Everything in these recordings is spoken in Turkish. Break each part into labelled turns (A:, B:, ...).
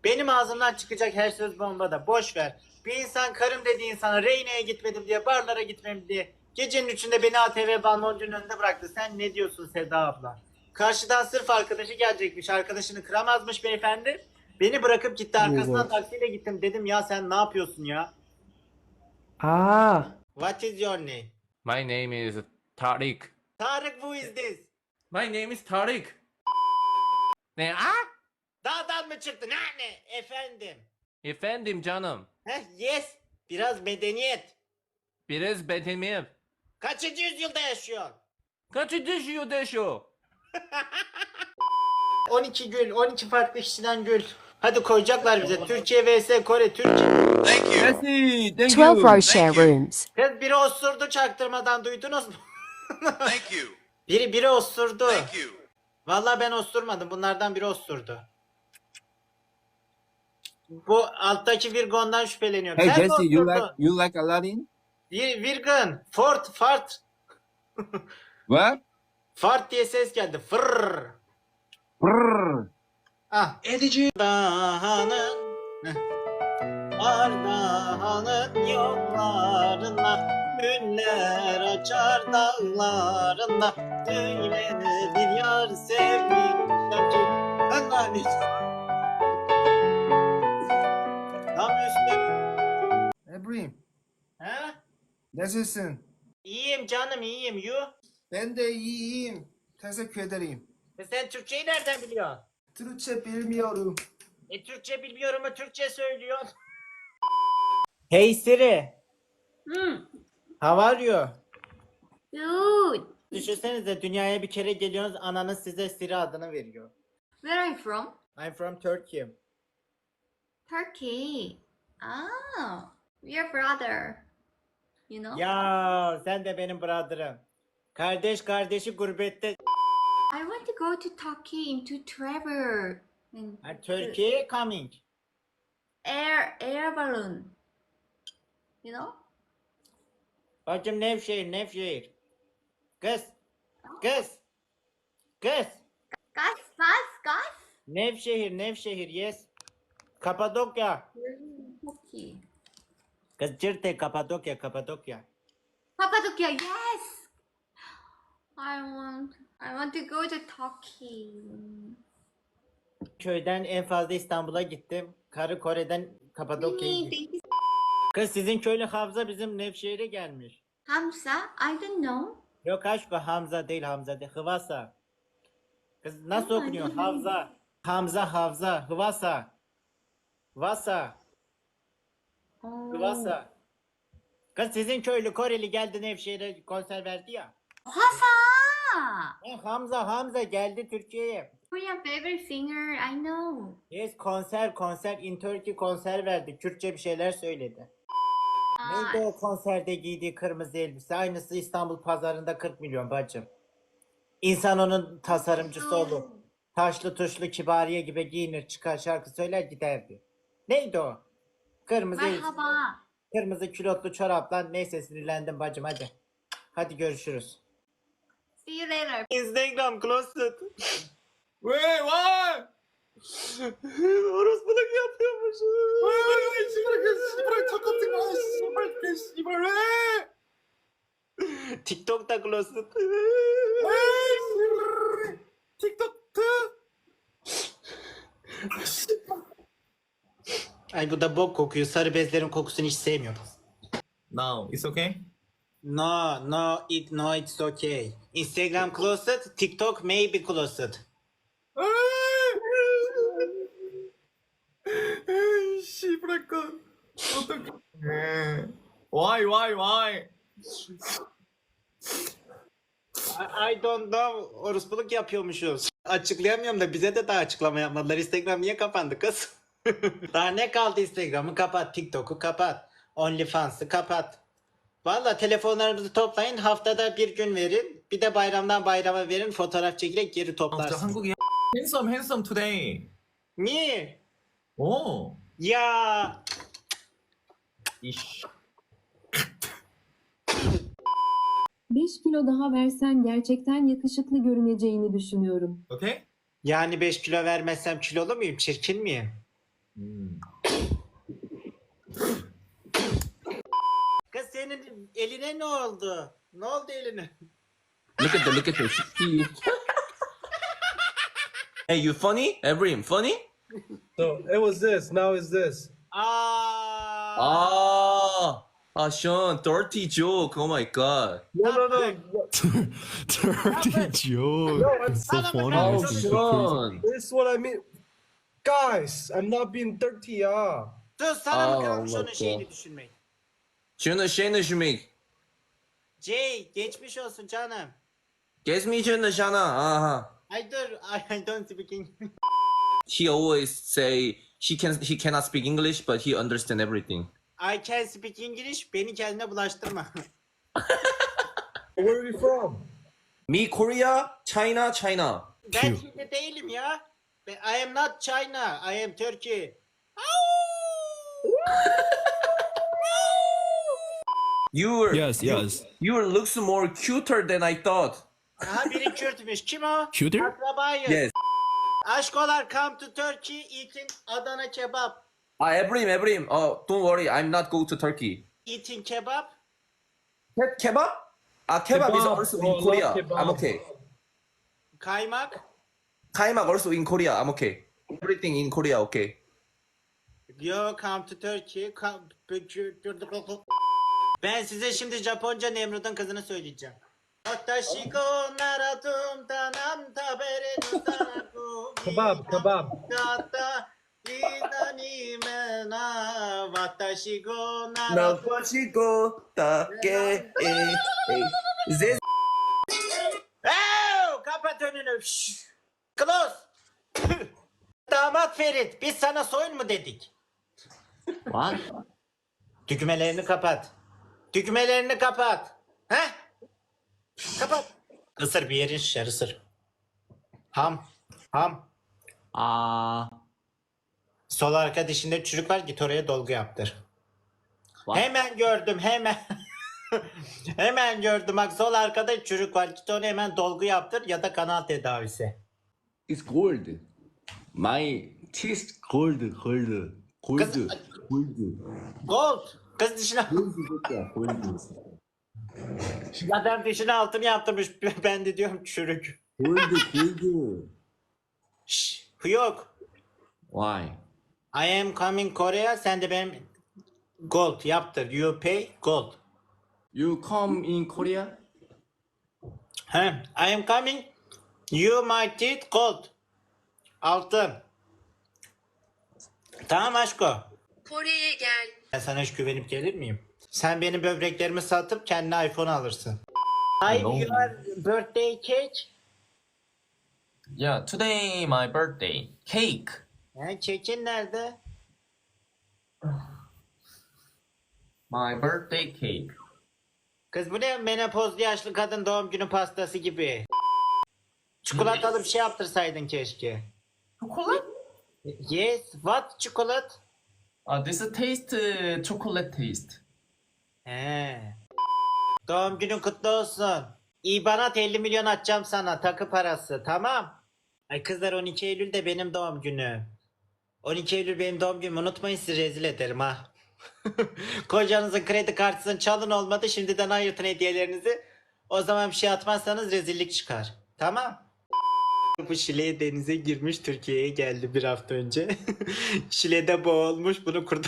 A: Benim ağzımdan çıkacak her söz bombada. Boş ver. Bir insan karım dediği insana Reyne'ye gitmedim diye, barlara gitmem diye gecenin üçünde beni ATV balloncunun önünde bıraktı. Sen ne diyorsun Seda abla? Karşıdan sırf arkadaşı gelecekmiş. Arkadaşını kıramazmış beyefendi. Beni bırakıp gitti, arkasından taksiyle gittim. Dedim ya sen ne yapıyorsun ya? What is your name?
B: My name is Tariq.
A: Tarık, who is this?
B: My name is Tariq. Ne?
A: Dağdan mı çıktın? Ne? Efendim.
B: Efendim canım.
A: Yes. Biraz medeniyet.
B: Biraz betemiyim.
A: Kaçıncı yüzyılda yaşıyor?
B: Kaçı düşüyor deşo?
A: 12 gül, 12 farklı kişiden gül. Hadi koyacaklar bize. Türkiye vs Kore, Türkiye.
C: Thank you.
D: Jesse, thank
E: 12
D: you.
E: row share rooms.
A: Kız biri osurdu çaktırmadan, duydunuz mu?
C: Thank you.
A: Biri osurdu.
C: Thank you.
A: Vallahi ben osturmadım. Bunlardan biri osurdu. Bu alttaki Virgon'dan şüpheleniyorum.
D: Hey
A: Sen mi
D: Jesse, you
A: osurdun?
D: like Aladdin?
A: Virgon, fart.
D: What?
A: Fart diye ses geldi. Fırr.
D: Brrr.
A: Ah.
D: Edici.
A: Ardahan'ın Ardahan'ın yollarında güller açar dağlarında, öyle bir yar sevmişler ki Allah'ım. Tam üstüm.
D: Ebrim,
A: He?
D: nasılsın?
A: İyiyim canım, iyiyim. You?
D: Ben de iyiyim. Teşekkür ederim.
A: Sen Türkçeyi nereden biliyorsun?
D: Türkçe bilmiyorum.
A: Türkçe bilmiyorum ama Türkçe söylüyorsun. Hey Siri. How are you?
F: Good.
A: Düşünsenize, dünyaya bir kere geliyorsunuz, ananız size Siri adını veriyor.
F: Where are you from?
A: I'm from Turkey.
F: Turkey. Ah, we are brother. You know?
A: Ya sen de benim brother'ım. Kardeş kardeşi gurbette.
F: I want to go to Turkey into travel. And
A: Turkey coming.
F: air balloon. You know?
A: Bacım Nevşehir. Kız. Kız.
F: Gas.
A: Nevşehir yes. Kapadokya.
F: Turkey.
A: Kız Cirte, Kapadokya.
F: Cappadocia, yes. I want to go to Turkey.
A: Köyden en fazla İstanbul'a gittim. Karı Kore'den Kapadokya'ya
F: Thank
A: gittim.
F: you.
A: Kız sizin köylü Hamza bizim Nevşehir'e gelmiş.
F: Hamza, I don't know.
A: Yok aşkı, Hamza değil. Hıvasa. Kız nasıl
F: Oh,
A: okunuyor?
F: I don't know.
A: Havza. Hıvasa.
F: Oh.
A: Hıvasa. Kız sizin köylü Koreli geldi Nevşehir'e, konser verdi ya.
F: Hasa.
A: Hamza geldi Türkiye'ye.
F: Korean favorite singer, I know.
A: Yes, konser in Turkey, konser verdi. Kürtçe bir şeyler söyledi. Neydi o konserde giydiği kırmızı elbise? Aynısı İstanbul pazarında 40 milyon bacım. İnsan onun tasarımcısı olur. Taşlı tuşlu Kibariye gibi giyinir, çıkar, şarkı söyler, giderdi. Neydi o? Kırmızı elbise,
F: Merhaba.
A: kırmızı külotlu çoraplar. Neyse, sinirlendim bacım, hadi. Hadi görüşürüz.
F: See you later.
A: Instagram closet.
D: Wait, what?
A: Orospuluk yapıyormuş. TikTok'ta closet. Ay bu da bok kokuyor. Sarı bezlerin kokusunu hiç sevmiyorum.
D: Now, it's okay?
A: No, it's okay. Instagram closet, TikTok maybe closet.
D: 씨부랄까. 어떡해. Why?
A: I don't know. Orospuluk yapıyormuşuz. Açıklayamıyorum da bize de daha açıklama yapmadılar. Instagram niye kapandı kız? Daha ne kaldı? Instagram'ı kapat, TikTok'u kapat, OnlyFans'ı kapat. Valla telefonlarımızı toplayın, haftada bir gün verin. Bir de bayramdan bayrama verin, fotoğraf çekilek geri
D: 진짜
A: toplarsın.
D: 한국이 handsome today.
A: Niye?
D: 오.
A: Ya
D: 이씨.
G: 5 kilo daha versen gerçekten yakışıklı görüneceğini düşünüyorum.
D: Okay?
A: yani 5 kilo vermezsem kilolu muyum? Çirkin miyim?
D: Hmm.
A: Kız senin eline ne oldu? Ne oldu eline?
B: Look at the see. Hey, you funny? Ebrim, funny?
E: So it was this. Now it's this.
B: Sean, dirty joke. Oh my god.
E: No.
H: Dirty joke.
E: No,
H: It's so
A: Sana
H: funny.
A: bakalım.
H: This is so crazy.
B: Sean.
E: This is what I mean. Guys, I'm not being dirty, yeah.
A: Sus sana mı kalmış
B: Allah
A: onun şeyini düşünmek?
B: Şunu şeyini düşünmek.
A: Jay geçmiş olsun canım.
B: Gezmeyeceğini sana. Aha.
A: Ay dur I don't speak English.
B: He always say he cannot speak English, but he understand everything.
A: I can speak English. Beni kendine bulaştırma.
E: Where are you from?
B: Me, Korea, China, China.
A: Ben Çin'de değilim ya. I am not China. I am Turkey.
H: Yes.
B: You looks more cuter than I thought.
A: Aha biri Kürtmüş. Kim o?
H: Cuter?
A: Akrabayız.
B: Yes.
A: Aşkolar come to Turkey eating Adana kebap.
B: Ebrim. Oh, don't worry. I'm not go to Turkey.
A: Eating kebap.
B: Kebab? Kebab is
E: Kebab.
B: also
E: Oh,
B: in Korea.
E: love kebab.
B: I'm okay.
A: Kaymak.
B: Kaimak also in Korea. I'm okay. Everything in Korea, okay.
A: Yo come to Turkey. Ben size şimdi Japonca Nemrut'un kızını söyleyeceğim. Watashi go naratum tanam tabere nutanaku
E: Kebab.
A: Kata idani mena Watashi go naratum Kapat önünü. Şşş. Close. Damat Ferit biz sana soyun mu dedik?
B: What?
A: Düğmelerini kapat. Düğmelerini kapat. He? Kapat. Isır bir yerin şişer ısır. Ham. Sol arka dişinde çürük var git oraya dolgu yaptır.
B: What?
A: Hemen gördüm hemen. Hemen gördüm bak sol arkada çürük var git oraya hemen dolgu yaptır ya da kanal tedavisi.
I: It's gold. My teeth gold.
A: Kız- Gold. Kız dişine
I: Gold.
A: adam dişine altını yaptırmış ben de diyorum çürük.
I: Gold.
A: Şşş yok.
I: Why?
A: I am coming Korea sen de benim gold yaptır. You pay gold.
I: You come in Korea?
A: He, I am coming. You my teeth gold. Altın. Tamam aşko.
F: Kore'ye gel.
A: Ben sana hiç güvenip gelir miyim? Sen benim böbreklerimi satıp kendine iPhone alırsın. I your birthday cake.
D: Yeah, today my birthday. Cake.
A: Kekin nerede?
D: My birthday cake.
A: Kız bu ne menopozlu yaşlı kadın doğum günü pastası gibi. Çikolatalı bir şey yaptırsaydın keşke.
D: Chocolate?
A: Yes, what chocolate?
D: This is taste chocolate taste.
A: He. Doğum günün kutlu olsun. İbanat 50 milyon atacağım sana takı parası tamam. Ay kızlar 12 Eylül de benim doğum günüm. 12 Eylül benim doğum günüm unutmayın sizi rezil ederim ha. Kocanızın kredi kartısını çalın olmadı şimdiden ayırtın hediyelerinizi. O zaman bir şey atmazsanız rezillik çıkar. Tamam. Bu Şile denize girmiş Türkiye'ye geldi bir hafta önce. Şile'de boğulmuş bunu kurtar.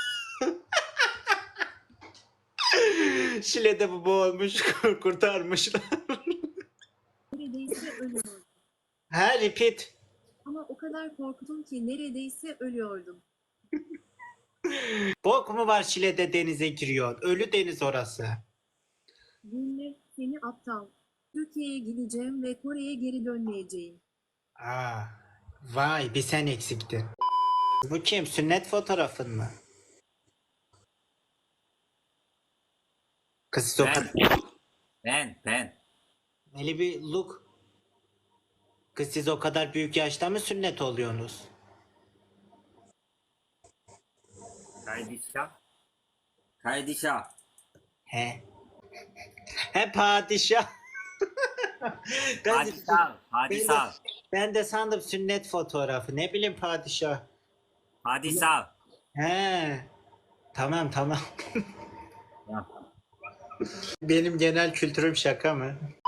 A: Şile'de bu boğulmuş kurtarmışlar.
G: Neredeyse ölüyordum.
A: Ha repeat.
G: Ama o kadar korktum ki neredeyse ölüyordum.
A: Bok mu var Şile'de denize giriyor? Ölü deniz orası.
G: Dinle seni aptal. Türkiye'ye gideceğim ve Kore'ye geri dönmeyeceğim.
A: Aa, vay bir sen eksiktin. Bu kim? Sünnet fotoğrafın mı? Kız siz o kadar...
J: Ben.
A: Öyle bir look. Kız siz o kadar büyük yaşta mı sünnet oluyorsunuz?
J: Kaydişah.
A: He. He padişah.
J: Padişah.
A: Ben de sandım sünnet fotoğrafı. Ne bileyim padişah.
J: Padişah.
A: He. Tamam tamam.
J: Ya.
A: Benim genel kültürüm şaka mı?